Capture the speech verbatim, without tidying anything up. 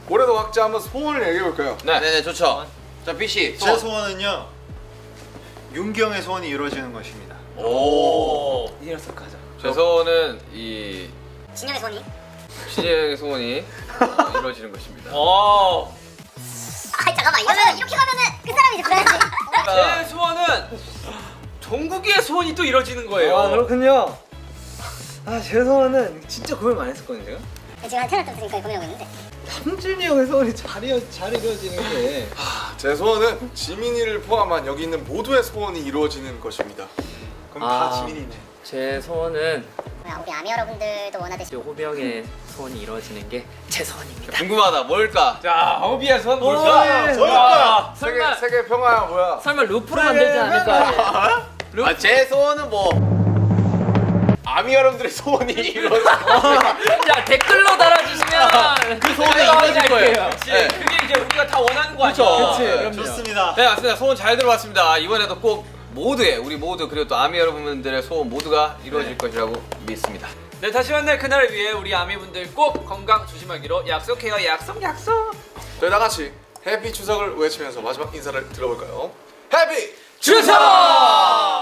올해도 각자 한번 소원을 얘기해 볼까요? 네, 네네 좋죠. 자 비씨. 제 소원은요. 윤기 형의 소원이 이루어지는 것입니다. 오. 이래서 가자. 제 소원은 이 진영의 소원이? 신예의 소원이 어, 이루어지는 것입니다. 오. 아 잠깐만 이러면 이렇게 가면은 그 사람이 이제 그래야지. 제 소원은 종국이의 소원이 또 이루어지는 거예요. 아 그렇군요. 아 제 소원은 진짜 고민 많이 했었거든요 제가. 제가 한 태어날 때부터 고민하고 있는데. 삼준이 형의 소원이 잘, 이어, 잘 이루어지는 게 제 소원은 지민이를 포함한 여기 있는 모두의 소원이 이루어지는 것입니다. 그럼 아. 다 지민이네. 제 소원은 뭐야 우리 아미 여러분들도 원하듯이 호비 형의 소원이 이루어지는 게 제 소원입니다. 궁금하다. 뭘까? 자, 허비의 소원 오, 뭘까? 예. 뭘까? 세계 설마 세계 평화야 뭐야? 설마 루프로 만들지 않을 거 아니에요? 아, 제 소원은 뭐 아미 여러분들의 소원이 이루어져. 자 댓글로 달아주시면 그 소원이 이루어질 거예요. 그치. 네. 그게 이제 우리가 다 원하는 거 아니야? 그쵸. 네. 좋습니다. 네 맞습니다. 소원 잘 들어봤습니다. 이번에도 꼭 모두의 우리 모두 그리고 또 아미 여러분들의 소원 모두가 이루어질 네. 것이라고 믿습니다. 네, 다시 만날 그날을 위해 우리 아미분들 꼭 건강 조심하기로 약속해요. 약속 약속. 저희 다 같이 해피 추석을 외치면서 마지막 인사를 들어볼까요? 해피 추석!